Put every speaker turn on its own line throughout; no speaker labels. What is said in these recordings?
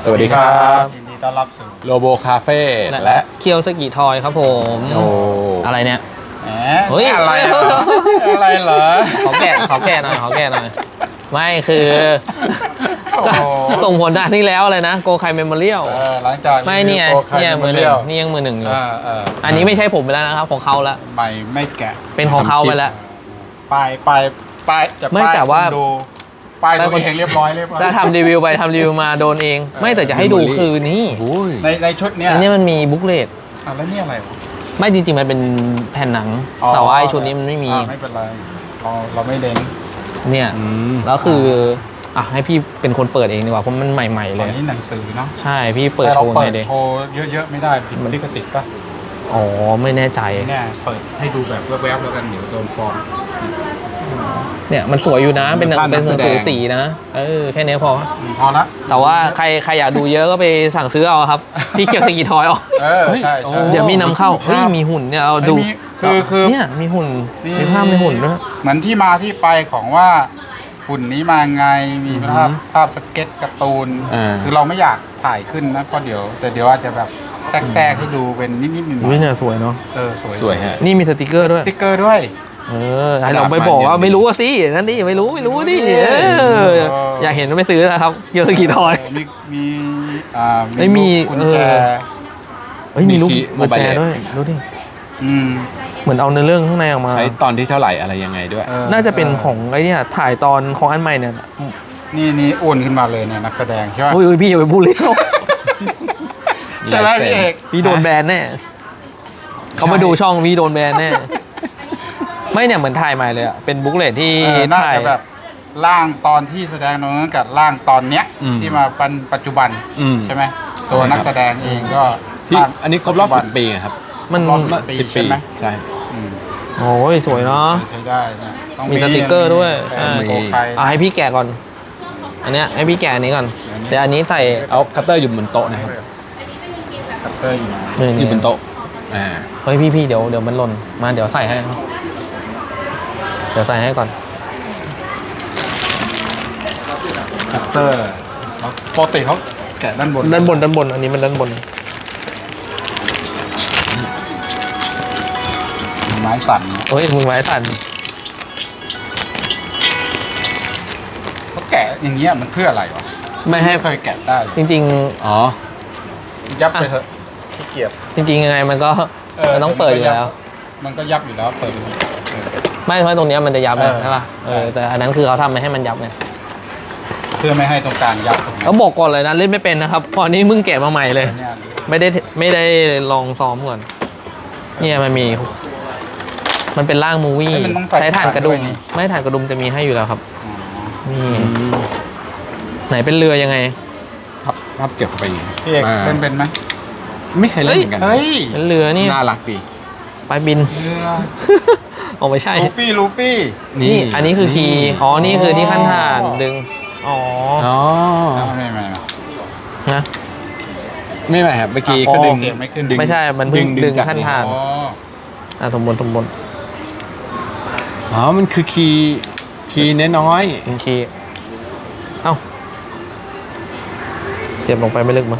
สวัสดีครับ
ยินดีต้อนรับสู่
โลโบคาเฟ่และ
เคียวสกิทอยครับผม
โอ้
อะไรเนี่ย
แหม
เฮ้ย
อะไรอะไรเหรอ
ขอแกะหน่อยไม่คือ
โอ้โห
ส่งผลด้านนี้แล้วเลยนะโกไคเมมโมเรียล
หลังจาก
ไม่เนี่ย
โอค
เนี่ยมือหนึ่
เรี
ง
ยล
นี่ยังมือหนึ่งอยู่
อั
นนี้ไม่ใช่ผมไปแล้วนะครับของเขาละ
ใหม่ไม่แกะ
เป็นของเขาไปแล้ว
ป้ายจะ
ไม่
ป้าย
แต่ว่า
คนดูป้ายตัวเองเรียบร้อย
ถ้าทำรีวิวไปทำรีวิวมาโดนเอง ไม่แต่จะให้ดูคือนี่
โอ้ย
ในชุดเนี้ย
อันนี้มันมีบุ๊กเลต
แล้วนี่อะไรวะ
ไม่จริงๆมันเป็นแผ่นหนัง
อ๋อ
แต่ว่าไอชุดนี้มันไม่มี
ไม่เป็นไรเราไม่เด่น
เนี่ย แล้วคืออ่ะให้พี่เป็นคนเปิดเองดีกว่าเพราะมันใหม่ๆ
ต
เล
อน
ย
นี้หนังสือเนาะ
ใช่พี่เปิด
แต่
โช
เรา
ว์
เปิ
ไง
ด
เด็
โชว์เยอะๆไม่ได้ผิดลิขสิทธิ์ป่ะ
อ๋อไม่แน่ใจ
เนี่ยเปิดให้ดูแบบแวบๆแล้วกันเดี๋ยวโดนฟ้อง
เนี่ยมันสวยอยู่นะเป็นหนัง
ภาพนั
เป็น
ก
ห
แส
นัง
ดง
สือสีนะแค่นี้พอ
พอละ
แต่ว่าใครอยากดูเยอะก็ไปสั่งซื้อเอาครับพี่เกียวสกีทอยออก
ใช่
โอ้
ใช่
เดี๋ยวมีนำเข้าเฮ้ยมีหุ่นเนี่ยเอาดู
คือ
เนี่ยมีหุ่นมีภาพในหุ่นด้วย
เหมือนที่มาที่ไปของว่าหุ่นนี้มาไงมีภาพสเก็ตการ์ตูน คือเราไม่อยากถ่ายขึ้นนะเพราะเดี๋ยวอาจจะแบบแทรกให้ดูเป็นนิดๆหน่
อุ้
อย ย
เนี่ยสวยเนาะ
ๆ
สวยฮะ
นี่มีสติกเกอร์ด้วย
สติ๊กเกอร์ด้วย
ให้เราไปบอกว่าไม่รู้สินั่นดิไม่รู้ดิอยากเห็นก็ไปซื้อนะครับเกียวสกีทอย
มี
ไม่มี
กุญแจ
เฮ้ยมีลูก
มี
กุญแจ
mobile
ด้วยดูดิ
อืม
เหมือนเอาเนื้อเรื่องข้างในออกมา
ใช้ตอนที่เท่าไหร่อะไรยังไงด้วย
น่าจะเป็นของไอ้เนี่ยถ่ายตอนของอันใหม่เนี่ย
นี่อ้วนขึ้นมาเลยเนี่ยนักแสดงใช่ไหม
โอ้ยพี่อย่าไปพูดเลย
ใช่ไหมพี่เอก
พี่โดนแบนแน่เขามาดูช่องพี่โดนแบนแน่ไม่เนี่ยเหมือนถ่ายใหม่เลยอะเป็นบุ๊กเลตที่
น่า
ถ่าย
จะแบบร่างตอนที่แสดงตรงนั้นกับร่างตอนเนี้ยที่มาเป็นปัจจุบัน ใช่ไหมตัวนักแสดงเองก็
ที่อันนี้ครบรอบ10 ปีครับ
มัน
รอบ
10
ใช่ไหม
ใช่
อืม
โอ้ยสวยเนาะ
ใช้ได้นะต้อง
มีสติกเกอร์ด้วย
ใช่
ใช่
โกไค
ให้พี่แกะก่อน อันเนี้ยให้พี่แกะอันนี้ก่อนเดี๋ยวอันนี้ใส่
เอาคัตเตอร์อยู่บนโต๊ะนะครับ
คัตเตอร์อยู่นะ
อยู่บนโต๊ะอ่า
เฮ้ยพี่เดี๋ยวมันหล่นมาเดี๋ยวใส่ให้ครับเดี๋ยวใส่ให้ก่อน
คัตเตอร์ปกติเขาแกะด้านบน
ด้านบนอันนี้มันด้านบน
ไม้สั่นนะ
เฮ้ยมือไม้สั่น
เขาแกะอย่างเงี้ยมันเพื่ออะไรวะ
ไม่ให้
เคยแกะได้เลย
จริง
อ๋อ
ยับไปเถอะขี้เกียจ
ๆ จริงๆยังไงมันก็มันต้องเปิดอยู่แล้ว
มันก็ยับอยู่แล้วเปิดไปเถอะ
ไม่เพราะตรงเนี้ยมันจะยับ
เออ
ใช่ป่ะ
ใช่
แต่อันนั้นคือเขาทำมาให้มันยับไง
เพื่อไม่ให้ตรงกลางยับตรงนี้
เขาบอกก่อนเลยนะเล่นไม่เป็นนะครับพอนี้มึงแกะมาใหม่เลย
เนี่ย
ไม่ได้ลองซ้อมก่อนเนี่ยมันเป็นร่างมูวี่
เอ้ยมันต้องใส่
ใช้ถ่านกระดุม
ด้วยนี่
ไม่ถ่านกระดุมจะมีให้อยู่แล้วครับ
อ๋อ
นี่ไหนเป็นเรือยังไง
ภาพเก็บเข้าไปอีก
พี่เอก
อ่า
เป็นไหม
ไม่เคยเล่นเหมือนกัน
เฮ้ย
เป็นเรือนี่
น่ารักดี
ไปบิน
เรือ
อ๋อไม่ใช่
ลูฟี่
นี่อันนี้คือคีย์อ๋อนี่คือที่ขั้นถ่านดึงอ๋อ
อ๋อ
ไม่
นะ
ไม่ไหวครับเมื่อกี้ก็ดึง
เสียงไม่ขึ้น
ไม่ใช่มันเพิ่งดึง
จาก
ขั้นถ่าน
อ๋อ
สมบน
อ๋อมันคือคีย์น้อย
คีย์เอ้าเสียบลงไปไม่ลึกมั้ง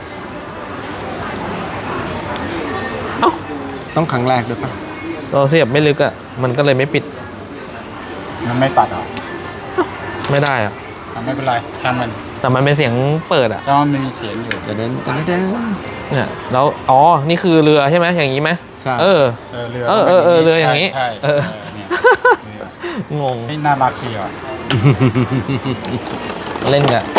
เอ้า
ๆต้องครั้งแรกด้วยป่ะ
เราเสียบไม่ลึกอ่ะมันก็เลยไม่ปิด
มันไม่ตัดเหรอ
ไม่ได้อ่ะ
ไม่เป็นไรช่างมัน
แต่มันเป็นเสียงเปิดอ่ะ
ช่างมันมีเสียงอยู่
จะเดินจะเดิน
เนี่ยแล้วอ๋อนี่คือเรือใช่ไหมอย่างนี้ไหม
ใช่
เออ
เรือ
เรืออย่างนี้
ใช่
เออ
เนี่ย
งง
นี่น่ารักดีอ่ะ
เล่นกัน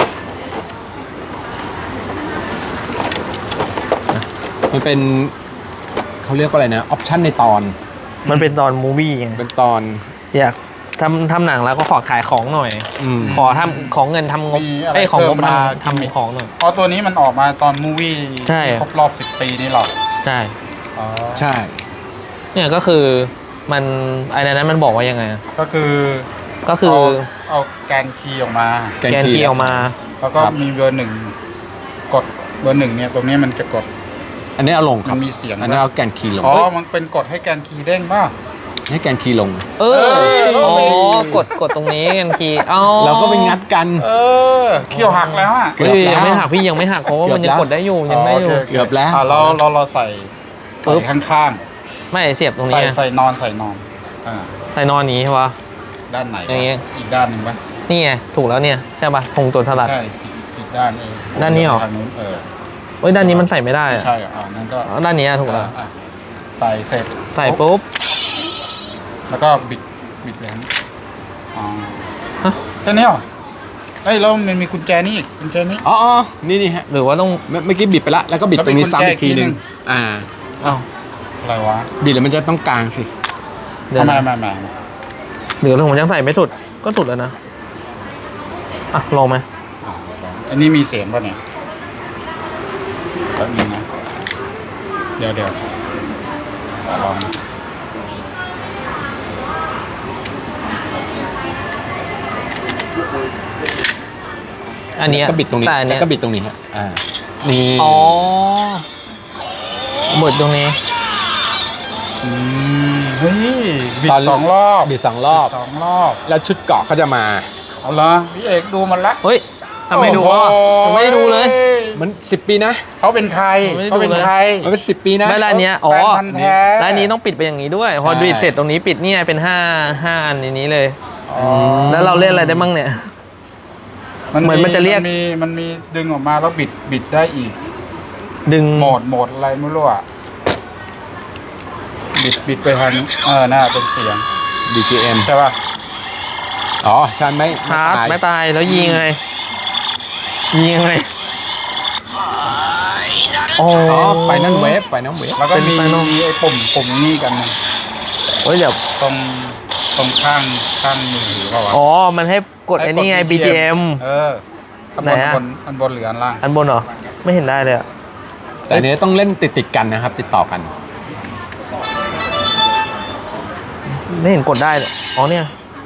มันเป็นเขาเรียกว่าอะไรนะออปชั่นในตอน
มันเป็นตอนมูวี่ไง
เป็นตอน
อยากทำหนังแล้วก็ขอขายของหน่อย ขอทำของเงินทำงบ
มีอะไร
ไอ้ของงบ
เพิ่มมา
ทำของหน่อย
เพราะตัวนี้มันออกมาตอนมูวี่
ใช่
ครบรอบ10 ปีนี่หรอ
ใช่
อ๋อ
ใช่
เนี่ยก็คือมันไอ้นั้นมันบอกว่ายังไงอะ
ก็คือ เอาแกนคีย์ออกมา
แกนคีย์ออกมา
แล้วก็มีเบอร์หนึ่งกดเบอร์หนึ่งเนี่ยตรงนี้มันจะกด
อันนี้เอาลงครับ
มันมีเสียง
อันนี้เอาแกนคีย์ลง
อ๋อมันเป็นกดให้แกนคีย์เด้งป่ะ
ให้แกนคีย์ลง
เอออ๋อกดตรงนี้กันคีย์อ๋อ
เราก็ไปงัดกัน
เขี้ยวหักแล้วอ่ะ
เกือบ
เฮ้ย
แล้ว
ยังไม่หักพี่ยังไม่หักเพราะว่ามันยังกดได้อยู่ยังได้อยู่
โค
เกือบแล้ว
เราใส่ข้าง
ไม่เสียบตรง
ๆ
นี้ไง
ใส่นอนอ่า
ใส่นอนนี้ใช่ปะ
ด้านไหน
อย่างเงี้ย
อีกด้านหนึ่งปะ
นี่ไงถูกแล้วเนี่ยใช่ปะธงตัวสลัด
ใช่อีกด้านเอง
ด้านนี้เหรอ
ทางนู้น
เอ้ยด้านนี้มันใส่ไม่ได้
ไม่
อะ
ใช่เหรอนั่นก็
อ๋อด้านนี้อะถูกแล้ว
อ่ะใส่เสร็จ
ใส่ปุ๊บ
แล้วก็บิดเลยอ๋อ
ฮะ
แค่นี้เหรอเอ้ยแล้วมันมีกุญแจนี่อีกกุญแจนี้
อ๋อนี่ฮะ
หรือว่าต้อง
เมื่อกี้บิดไปละแล้วก็บิด
แล้ว
ตรงนี้ซ้ำ
มี
อีกทีหนึง
กุญแจอีกทีหนึ่ง
อ่า
อ้าว
อะไรวะ
บิดแล้วมันจะต้องกลางสิ
เดี๋ยว
ทำไม
นะ
ไม่
หรือผมยังใส่ไม่สุดก็สุดแล้วนะอ่ะลองไหม
อันนี้มีเสียงป่ะเนี่ยแป๊บนึงนะเดี๋ยวลอง
อันเนี้ย
ก็บิดตรงนี้
แต่อัน
แล้
เนี้
วย ก็บิดตรงนี้ฮะนี่
อ๋อเบิดตรงนี้
เฮ้ยบิดสองรอบ
บิด2 รอบ
สองรอบ
แล้วชุดเกาะก็จะมา
เอาละพี่เอกดูมันละ
เฮ้ยทำไมดูอ่ะผมไม่ได้ดูเลย
มัน10 ปีนะ
เขาเป็นใคร
ผมไม่ได้ดู
เขาเป็นใคร
มันเป็น10 ปีนะ
ไม่ร้านเนี้ยอ๋อ
แฟนพันธุ์แท้
ร้านนี้ต้องปิดไปอย่างนี้ด้วย พอ
ใช่
ดูดเสร็จตรงนี้ปิดเนี่ยเป็นห้าอันในนี้เลย
อ๋อ
แล้วเราเล่นอะไรได้บ้างเนี่ย เหมือนมันจะเรียก
มันมีดึงออกมาแล้วบิดได้อีก
ดึง
โหมดอะไรไม่รู้อ่ะบิดไปทางน่าเป็นเสียง
BGM
ใช่ป่ะ
อ๋อชันไม่
ชาร์จ
ตาย
ไม่ตายแล้วยิงไงยิงไงอ๋อ
อ๋อไฟนั่นเวฟ
แล้วก็
เป็น
มี
Final
ไอ้ปุ่มนี่กันนะ
เฮ้ยเดี๋ยว
ตรงข้างมือถือเปล่าวะ
อ๋อมันให้กดไอ้นี่ไง BGM
อัน
ไหน
บน
อะ
อันบนหรืออันล่าง
อันบนเหรอไม่เห็นได้เลยอะ
แต่อันนี้ต้องเล่นติดกันนะครับ ติดต่อกัน
ไม่เห็นกดได้เลยอ๋อเนี่ย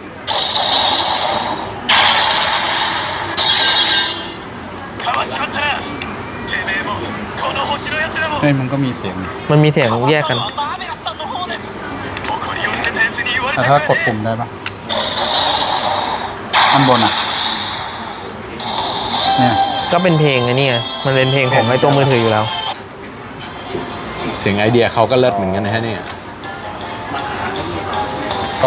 เฮ้ยมันก็มีเสียง
มันมีเสียงแยกกัน
แต่ถ้ากดปุ่มได้ปะอันบนอ่ะเนี่ย
ก็เป็นเพลงไอ้นี่ไงมันเป็นเพลงของไอ้ตัวมือถืออยู่แล้ว
เสียงไอเดียเขาก็เลิศเหมือนกันนะฮะเนี่ย
ก็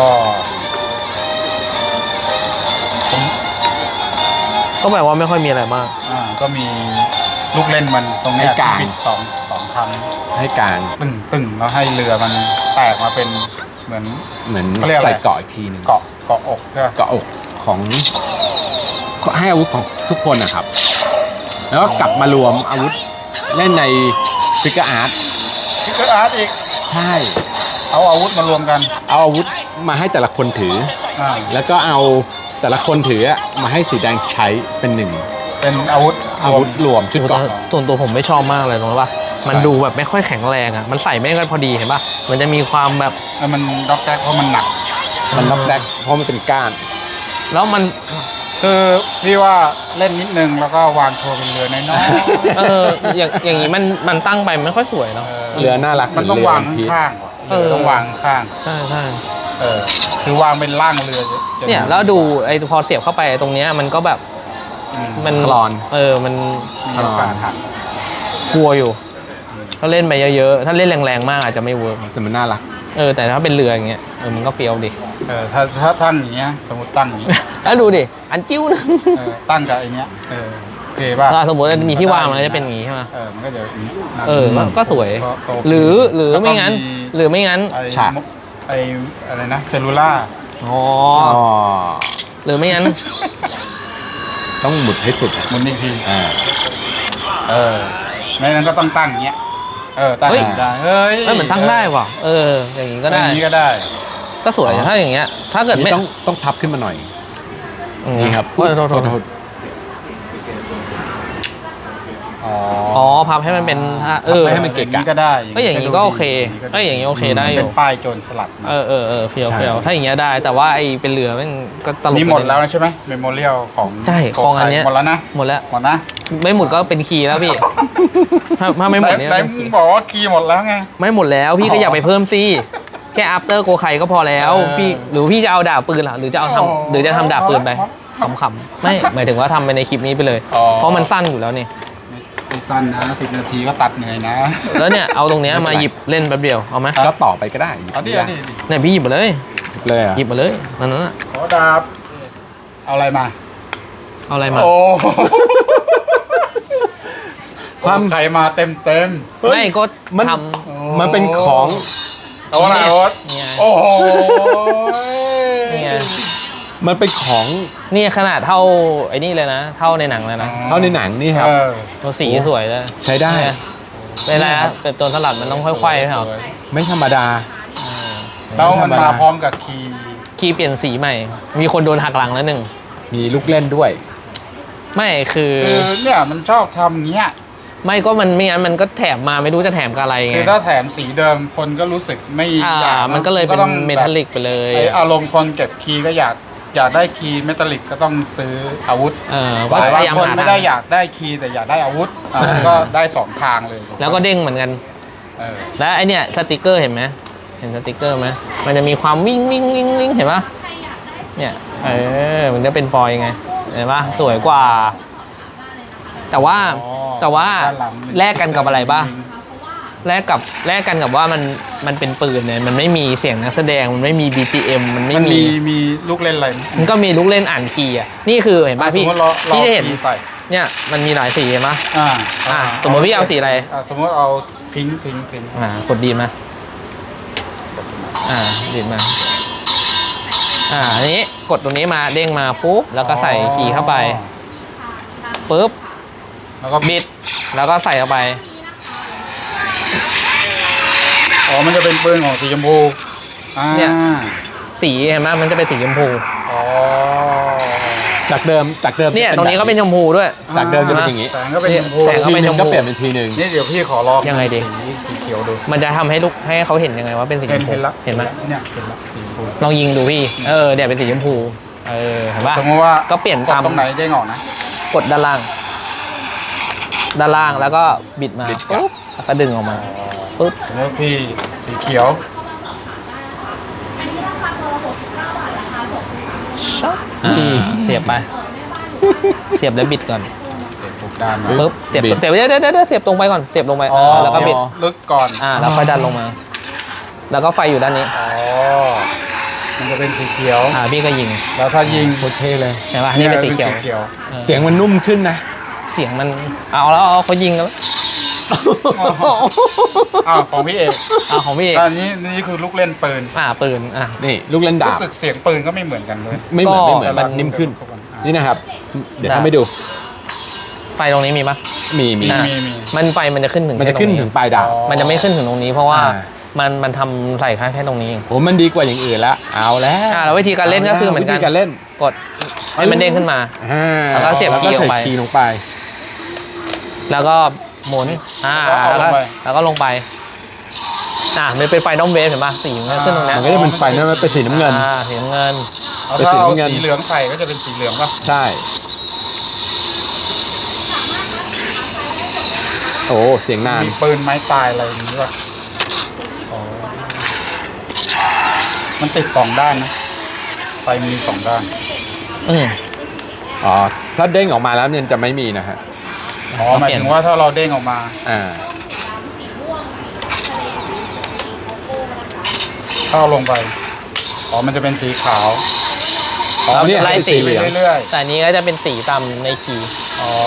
ก็แบบว่าไม่ค่อยมีอะไรมาก
ก็มีลูกเล่นมันตรงเนี้ย
ให้กลาง
บิดสองครั้ง
ให้กลาง
ตึงแล้วให้เรือมันแตกมาเป็นเหมือน
เหมือน
เขาเรียกอะไร
ใส่เกาะอีกทีหนึง
เกาะอกใช่ปะ
เกาะอกของให้อาวุธของทุกคนนะครับ แล้วก็กลับมารวมอาวุธเล่นในฟิกเกอร์อาร์ต
พิกเกอร์อาร์ตอีก
ใช่
เอาอาวุธมารวมกัน
เอาอาวุธมาให้แต่ละคนถือ แล้วก็เอาแต่ละคนถือมาให้สีแดงใช้เป็นหนึ่ง
เป็นอาวุธ
อาวุธรวมชุดเกราะ
ส่วนตัวผมไม่ชอบมากเลยตรงนี้ป่ะมันดูแบบไม่ค่อยแข็งแรงอ่ะมันใส่ไม่ค่อยพอดีเห็นป่ะมันจะมีความแบบ
มันด็อกแดกเพราะมันหนัก
มันน็อกแดกเพราะมันเป็นก้าน
แล้วมัน
คือพี่ว่าเล่นนิดนึงแล้วก็วางโชว์เป็นเรือน้อย
อย่างนี้มันตั้งไปมันไม่ค่อยสวยเนาะ
เรือน่ารัก
มันต้อง
เห
วาง
เรือ One Piece
ข้างๆเรือต้องวางข้าง
ใช่ใช่
คือวางเป็นร่างเรือจะ
เนี่ยแล้วดูไอ้พอเสียบเข้าไปตรงเนี้ยมันก็แบบ มัน
คลอน
มัน
มีโอกาสหัก
กลัวอยู่ ถ้าเล่นไปเยอะๆถ้าเล่นแรงๆมากอาจจะไม่เวิร์ก
แต่มันน่ารัก
แต่ถ้าเป็นเรืออย่างเงี้ยมันก็เฟี้ยวดิ
ถ้าตั้งอย่างเงี้ยสมมติตั้งอย่างเงี้ย
แล้วดูดิอันจิ้วนึง
ตั้งกับไอ้เนี้ยโอเคป่ะ
ถ้าสมมติมีที่วางมันก็จะเป็นอย่างงี้ใช่ไหม
มันก็จะอย่างงี้
ก็สวย
ก็โอเค
หรือไม่งั้น หรือไม่งั้น
ฉาก
ไอ้อะไรนะเซลลูล่า
อ๋อ
อ๋อ
หรือไม่งั้น
ต้องหมุดให้สุดอะ
มันอีกที
อ่า
ไม่งั้นก็ต้องตั้งอย่างเงี้ยตั้งอย่างนี้ได้เฮ้ย
เหมือนตั้งได้ว่ะอย่างงี้ก็ได้
อย่างนี้ก็ได้
ก็สวยถ้าอย่างเงี้ย ถ้าเกิด
นี่
ไม่
ต้องพับขึ้นมาหน่อย นี่ครับ
โทษ
โทษ
อ๋อพับให้มันเป็นท่า
ไม่ให้มันเกะกะ
อย่างนี้ก็ได้
ก็อย่างนี้ก็โอเคก็อย่างนี้โอเคได้อยู่
เป็นป้ายโจรสลัดนะ
เฟียว
ใช่
เฟียวถ้าอย่างเงี้ยได้ แต่ว่าไอ้เป็นเรือมันก็ตลก
นี่หมดแล้วใช่ไหมเมมโมเรียลของ
ใช่ของอันเนี้ย
หมดแล้วนะ
หมดแล้ว
หมดนะ
ไม่หมดก็เป็นคีย์แล้วพี่ ถ้าไม่หมดเนี่ย
ไหนมึงบอกว่าคีย์หมดแล้วไง
ไม่หมดแล้วพี่ก็อยากไปเพิ่มสิแค่ after โกไคก็พอแล้วพี่หรือพี่จะเอาดาบปืนเหรอหรือจะเอาทำหรือจะทำดาบปืนไปขำๆไม่หมายถึงว่าทำไปในคลิปนี้ไปเลย เพราะมันสั้นอยู่แล้วนี่
ไม่สั้นนะ10 นาทีก็ตัดเหนื่อยนะ
แล้วเนี่ยเอาตรงเนี้ยมาหยิบเล่นแป๊บเดียวเอาไหม
ก็ต่อไปก็ได้
เอาดิ
เนี่ยพี่หยิบมาเลย
เลยอ่ะ
หยิบมาเลยนั่นน่ะ
ขอดาบเอาอะไรมา
เอาอะไรมา
โอ้
ความ
ใครมาเต็ม
ไม่ก็
มัน
ท
มันเป็นของ
ๆเอาอะไรโอ๊ต
เนี่ย
โอ้โห
ำเนี่ย
มันเป็นของ
นี่ขนาดเท่าไอ้นี่เลยนะ เท่าในหนังเลยนะ
เท่าในหนังนี่ครับ
ตัวสีสวยเลย
ใช้ได้
เนี่ยเวลาเป็นตัวสลัดมันต้องค่อยๆใช่ไหม
ไม่ธรรมดา
แล้วมันมาพร้อมกับคีย์
คีย์เปลี่ยนสีใหม่ มีคนโดนหักหลังแล้วหนึ่ง
มีลูกเล่นด้วย
ไม่คือ
คือเนี่ยมันชอบทำเงี้ย
ไม่ก็มันไม่งั้นมันก็แถมมาไม่รู้จะแถมกับอะไรไง
คือถ้าแถมสีเดิมคนก็รู้สึกไม่อยาก
มันก็เลยเป็น
ต้อง
เมทัลลิกไปเลย
ไออารมณ์คนเก็บคีย์ก็อยากได้คีย์เมทัลลิกก็ต้องซื้ออาวุธ
ก็
บาง
พยายาม
คน
หา
ไม่ได้อยากได้คีย์แต่อยากได้อาวุธก็ได้2 ทางเลย
แล้วก็เด้งเหมือนกัน
เออ
และไอเนี่ยสติกเกอร์เห็นไหมเห็นสติกเกอร์ไหมมันจะมีความวิ่งวิ่งวิ่งวิ่งเห็นปะเนี่ยมันจะเป็นฟอยล์ไงเห็นปะสวยกว่า แต่ว่า
ด้านหลัง
แลกกันกับอะไรป่ะแลกกันกับว่ามันเป็นปืนเนี่ยมันไม่มีเสียงนักแสดงมันไม่มี BGM มันไม่
มัน
มี
มีลูกเล่นอะไร
มันก็มีลูกเล่นอ่านคีย์อ่ะนี่คือเห็นป่ะพี่
สมมติเรา
พี่จะเห็น
คีย์ใส่
เนี่ยมันมีหลายสีเห็นปะ
อ่า
สมมติพี่เอาสีอะไร
สมมติเอาพิงค์
กดดีมาดีดมาอันนี้กดตรงนี้มาเด้งมาปุ๊บแล้วก็ใส่คีย์เข้าไปปุ๊บ
แล้วก็
บิดแล้วก็ใส่เข้าไป
อ๋อมันจะเป็นปืนของสีชมพูเนี่ย
สีเห็นไหมมันจะเป็นสีชมพู
อ๋อ
จากเดิม
เนี่ยตรงนี้ก็เป็นชมพูด้วย
จากเดิมจะเป็นอย่างนี้
แสงก็เป็นชมพู
แสง
ทีนึงก็เปลี่ยนเป็นทีนึง
นี่เดี๋ยวพี่ขอลอง
ยังไงดี
สีเขียวดู
มันจะทำให้ให้เขาเห็นยังไงว่าเป็นสีชมพู
เห็นละ
เห็นไหม
เนี่ยเห็นละสีชมพู
ลองยิงดูพี่เดี๋ยวเป็นสีชมพูเห็นปะ
สมมติว่า
ก็เปลี่ยน
กด
ตาม
ตรงไหนเด้งออกนะ
กดด้านล่างแล้วก็บิดมาปุ๊บแล้วก็ดึงออกมาปุ๊บ
แล้วพี่สีเขียว
เสียบไป เสียบแล้วบิดก่อน
เสียบถูกด้านนะ
ปุ๊บเสียบ
บิด
เดี๋ยวเสียบตรงไปก่อนเสียบลงไปแล้วก็บิด
ลึกก่อน
แล้วค่อยดันลงมา แล้วก็ไฟอยู่ด้านนี้
อ๋อมันจะเป็นสีเขียว
พี่ก็ยิง
แล้วถ้ายิง
โคตรเท่เลย
เห็นป่ะนี่เป็นสีเขียว
เสียงมันนุ่มขึ้นนะ
เสียงมันเอาเขายิงแล้ว
ของพี่เอก
ของพี่เอก
อันนี้นี่คือลูกเล่นปืน
ปืน
นี่ลูกเล่นดา
รู้
บ
สึกเสียงปืนก็ไม่เหมือนกันเลย
ไม่เหมือน
ก็
มันนิ่มขึ้น นี่นะครับ เดี๋ยวทำให้ดู
ไฟตรงนี้มีปะ
มี
มี
ไฟมันจะขึ้นถึง
มันจะขึ้นถึงปลายดาบ
มันจะไม่ขึ้นถึงตรงนี้เพราะว่า
อ่า
มันทำใส่แค่ตรงนี้เอง
โอ้มันดีกว่าอย่างอื่นละเอาแล้ว
แล้ววิธีการเล่นก็คือเหมือนกัน
วิธีการเล่น
กดให้มันเด้งขึ้นมา แล้วก็เสียบ
แล้วก็
คีย์ลงไป
ใส่คีย์ลงไป
แล้วก็หมุนแล้วก็ลงไปมันเป็นไฟน้องเวฟเห็นป่ะสีมันก็ขึ้นตรงนี้
มันก็จะเป็นไฟนั้นมันเป็นสีน้ำเงิน
สีน้ำเงิน
เอาถ้าเอาสีเหลืองใส่ก็จะเป็นสีเหลืองป่ะ
ใช่ โอ้เสียงนาน
มีปืนไม้ตายอะไรอย่างนี้ป่ะอ๋อมันติด2 ด้านนะไฟมี2 ด้าน
อ๋อ ถ้าเด้งออกมาแล้วเนี่ยจะไม่มีนะฮะ
อ๋อหมายถึงว่าถ้าเราเด้งออกมา เข้าลงไป อ๋อ มันจะเป็นสีขาว
แล้ว
เนี่ย
ไล่
เป็น
สี
สีเหลือง
เรื่อย
แต่อันนี้ก็จะเป็นสีตามในคีย์
ๆ อ๋อ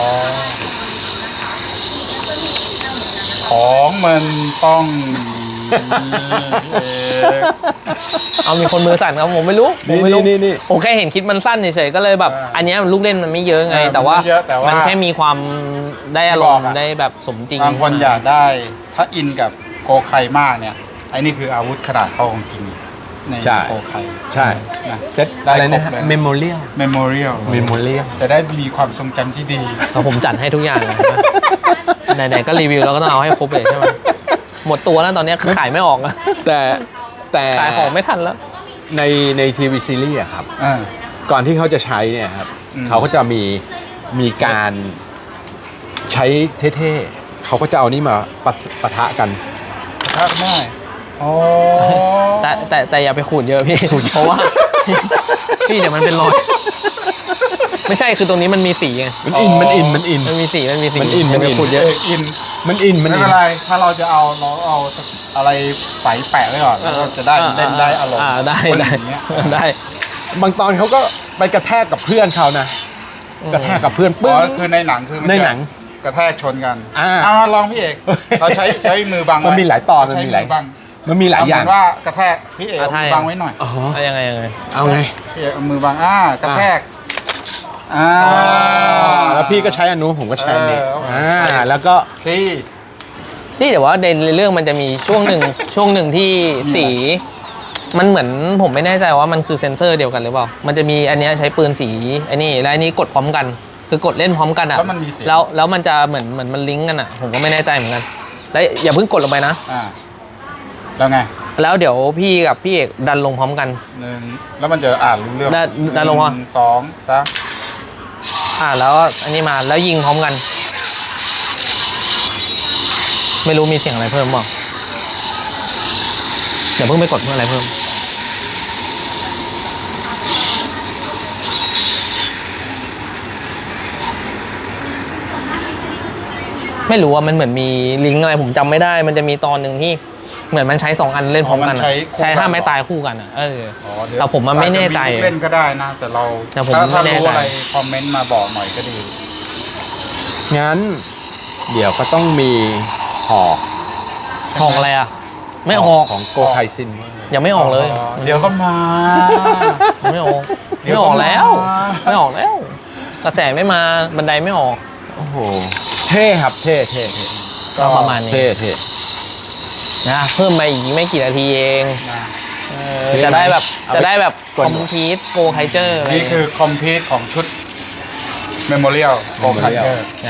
ของมันต้องมีพี่เอก
เอามีคนมือสั่นครับผมไม่รู้
นี่
ผมแค่เห็นคลิปมันสั้นเฉยๆก็เลยแบบ อันเนี้ยลูกเล่นมันไม่เยอะไง แต่ว่ามันแค่มีความได้อารมณ์ได้แบบสมจริง
บางคนอยากได้ ถ้าอินกับโกไคมากเนี่ย ไอ้นี่คืออาวุธขนาดเท่าของจริงใน
ใช่
โกไค
ใช่
นะ
เซตอะไรนะ
ได้ครบเลย
เมมโมเรียล
เมมโมเรียล จะได้มีความทรงจำที่ดี
แล้วผมจัดให้ทุกอย่างเลยนะไหนๆก็รีวิวแล้วก็ต้องเอาให้ครบเลยใช่ไหมหมดตัวแล้วตอนนี้คือขายไม่ออกอะ
แต่
ขายของไม่ทันแล้ว
ในทีวีซีรีส์อะครับ
อ่า
ก่อนที่เขาจะใช้เนี่ยครับ
อืม
เขาก็จะมีการใช้เท่ๆเขาก็จะเอานี่มาปะทะกัน
ถ้าไม่โอ้
แต่อย่าไปขูดเยอะพี่ เพราะว่า พี่เดี๋ยวมันเป็นรอย ไม่ใช่คือตรงนี้มันมีสีไง
มันอิน
มันมีสี
มันอิน
อย่าไปขูดเยอะ
อิน
มันอิน
ไม่เป็นไรถ้าเราจะเอาอะไรใส่แปะไว้ก่อนแล้วก็จะได้เล่นได้อารมณ์
ได้
อย่างเงี้ย
ได้
บางตอนเขาก็ไปกระแทกกับเพื่อนเขานะ กระแทกกับเพื่อน
อ๋
ปึ้ง
อคือในหนังคือมัน
ใน
จะ
หนัง
กระแทกชนกัน
อ่า
ลองพี่เอกเราใช้มือบังไว้
มันมีหลายตอนมัน
ใช้
มีหลาย
บัง
มันมีหลายอย่าง
เเหมืนว่ากระแทกพี่เอกเอามือบังไว้หน่อย
อ๋อ
เอายังไง
เอาไง
พี่เอกเอามือบังกระแทก
แล้วพี่ก็ใช้อันนู้นผมก็ใช้อันนี้
ใช่
แล้วก็
ที่
นี่แต่ว่าในเรื่องมันจะมีช่วงหนึ่งที่สีมันเหมือนผมไม่แน่ใจว่ามันคือเซนเซอร์เดียวกันหรือเปล่า มันจะมีอันเนี้ยใช้ปืนสีไอ้นี่แล้วอันนี้กดพร้อมกัน คือกดเล่นพร้อมกันอ่ะ
แล้วมันมีเสียง
แล้วมันจะเหมือนมันลิงก์กันอ่ะ ผมก็ไม่แน่ใจเหมือนกัน แล้วอย่าเพิ่งกดลงไปนะ
แล้วไง
แล้วเดี๋ยวพี่กับพี่เอกดันลงพร้อมกัน
แล้วมันจะอ่านรู้เรื่อง
ได้ลงวะ
1 2 3
แล้วอันนี้มาแล้วยิงพร้อมกัน ไม่รู้มีเสียงอะไรเพิ่มบ้างเดี๋ยวเพิ่งไปกดเพื่ออะไรเพิ่ม ไม่รู้ว่ามันเหมือนมีลิงก์อะไรผมจำไม่ได้ มันจะมีตอนหนึ่งที่เหมือนมันใช้2 อันเล่นพร้อมกันอะใช้5 ไม้ตายคู่กันอ่ะแต่ผมมันไม่แน่ใจ
เล่นก็ได้นะ แต่เรา
แต่ผม
ถ้า
ไม่แน่
รู้
ใจ
อะไรคอมเมนต์มาบอกหน่อยก็ดี
งั้น เดี๋ยวก็ต้องมีหอก
ออกอะไรอ่ะ ไม่ออก
ของโกไคซิน
ยังไม่ออกเลย
เดี๋ยวก็มา
ไม่ออกไม่ออกแล้ว ไม่ออกแล้ว กระแสไม่มาบันไดไม่ออก
โอ้โห เท่ครับ เท่
ก็ประมาณนี้
เท่
นะเพิ่มมาอีกไม่กี่นาทีเอง
นะ
จะได้แบบ
เอาไป
จะได้แบบ
ก
ค
ด
อมพิวต์โกไคเจอร์อะไร
นี่คือคอมพิวต์ของชุดเมมโมเรียลโกคันเตอร์
ใช่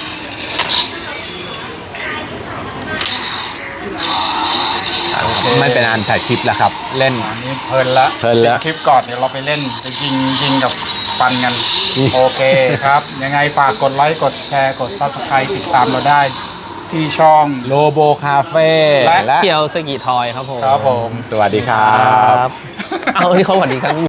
ไม่เป็นอันถ่ายคลิปแล้วครับ เล่น
อันนี้เพลินละ
เพลินละ
ปิดคลิปก่อนเดี๋ยวเราไปเล่นไปยิงกับฟันกัน
นี่
โอเคครับ ยังไงฝากกดไลค์กดแชร์กด Subscribe ติดตามเราได้ที่ช่อง
โลโบคาเฟ่
และ
และ
เกียวสกิทอยครับผม
ครับผม
สวัสดีครับ
เอาที่เขาสวัสดีครับ